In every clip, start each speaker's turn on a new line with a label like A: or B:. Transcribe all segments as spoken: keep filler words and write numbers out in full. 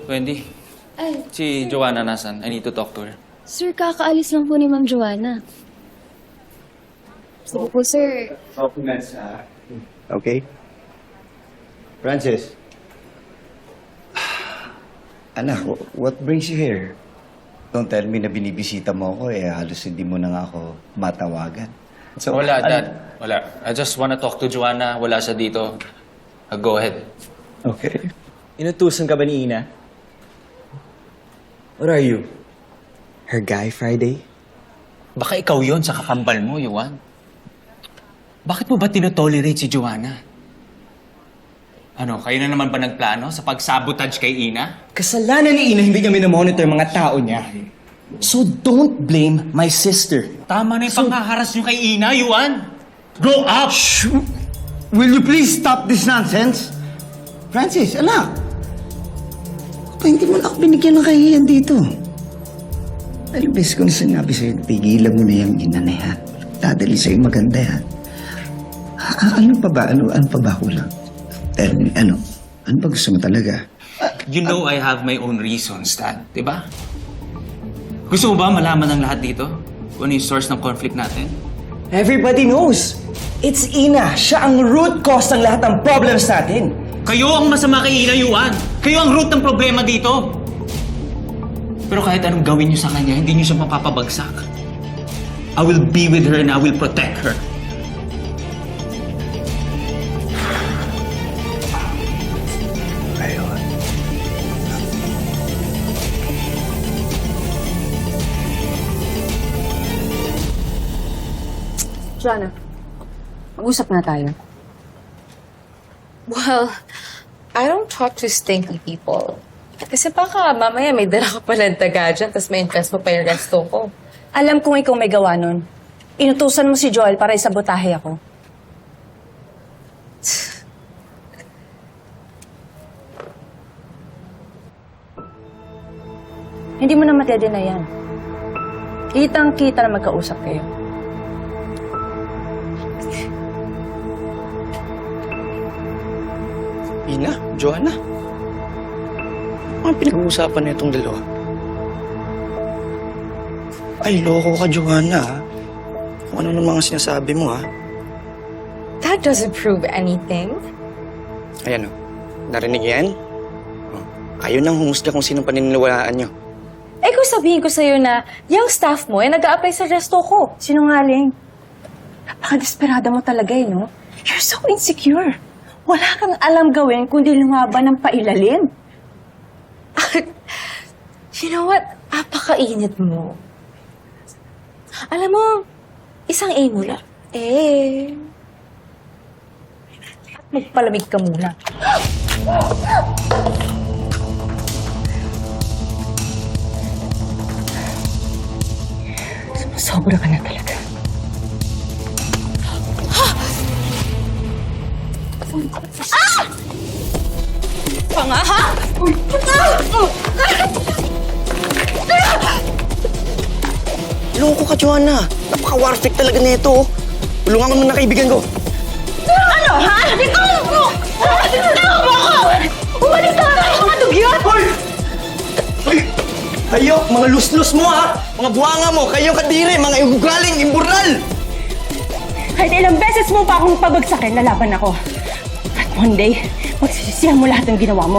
A: Wendy,
B: Ay,
A: si Joanna nasan? I need to talk to her.
B: sir, kakaalis lang po ni Ma'am Joanna. Sige po, sir.
C: Documents, ah. Okay. Francis. Anak, what brings you here? Don't tell me na binibisita mo ako eh. Halos hindi mo na nga ako matawagan. So,
A: Wala,
C: ano-
A: Dad. Wala. I just wanna talk to Joanna. Wala siya dito. Uh, go ahead.
C: Okay.
D: Inutusan ka ba ni Ina? What are you? Her guy Friday?
A: Baka ikaw yon sa kakambal mo, Yuan. Bakit mo ba tinotolerate si Joanna? Ano, kayo na naman ba nagplano sa pag-sabotage kay Ina?
D: Kasalanan ni Ina hindi niya minomonitor yung mga tao niya. So don't blame my sister.
A: Tama na yung panghaharas niyo kay Ina, Yuan. Grow up!
C: Shh! Will you please stop this nonsense? Francis, anak. Pa, hindi mo na ako binigyan ng kahiyan dito. Alam, bes ko na sinabi sa'yo, pigilan mo na yung ina na yan. Dadali sa'yo maganda yan. Ah, ano pa ba? Ano, ano pa ba kulang? Tell me, ano? Ano ba gusto mo talaga?
A: You know I have my own reasons, Dad. Diba? Gusto mo ba malaman ng lahat dito? Kung ano yung source ng conflict natin?
D: Everybody knows. It's Ina. Siya ang root cause ng lahat ng problems natin.
A: Kayo ang masama kay Ina, Yuan. Kayo ang root ng problema dito. Pero kahit anong gawin niyo sa kanya, hindi niyo siya mapapabagsak. I will be with her and I will protect her.
C: Ayun.
E: Joanna, mag-usap na tayo.
F: Well, I don't talk to stinky people. Kasi baka mamaya may dala ka palang taga dyan, tapos may invest mo pa yung resto ko.
E: Alam kong ikaw may gawa nun. Inutusan mo si Joel para isabotahe ako. Hindi mo na matede na yan. Kitang-kita na magkausap kayo.
G: Ina, Joanna. Ano ang pinag-uusapan na itong dalawa? Ay, loko ka, Joanna, ha? Kung ano ng mga sinasabi mo, ha?
F: That doesn't prove anything.
G: Ayan, o. Narinig yan? Oh, kayo nang humusga kung sinong paniniwalaan nyo.
E: Eh kung sabihin ko sa'yo na yung staff mo ay nag-a-apply sa resto ko. Sinungaling. Napaka-desperada mo talaga eh, no? You're so insecure. Wala kang alam gawin kundi lumaban ng pailalim.
F: You know what? Apakainit mo. Alam mo, isang A mo lang. Eh,
E: Magpalamig ka muna. Sobra ka na talaga.
F: panga ha?
G: Loko ka, Joanna. Napaka-warfik talaga nito. Tulungan ko naman na kaibigan ko.
E: Ano, ha? Ikaw mo! Ikaw mo ako! Umalis ka na kayo, mga dugyot!
G: Hoy! Hoy! Kayo, mga luslus mo, ha? Mga buwanga mo, kayong kadiri, mga ugaling, imburnal!
E: Kahit ilang beses mo pa akong pabagsakin, lalaban ako. At one day, magsisisihan mo lahat ng ginawa mo.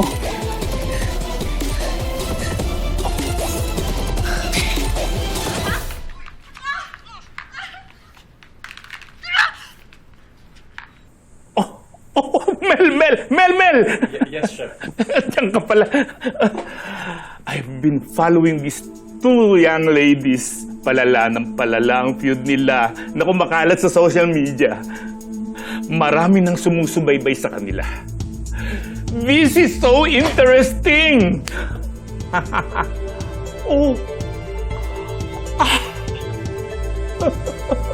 H: Oh, Mel, Mel! Mel, Mel!
A: Yes, sir.
H: Diyan ka pala. I've been following these two young ladies. Palala ng palala ang feud nila na kumakalat sa social media. Marami nang sumusubaybay sa kanila. This is so interesting! oh. Ah.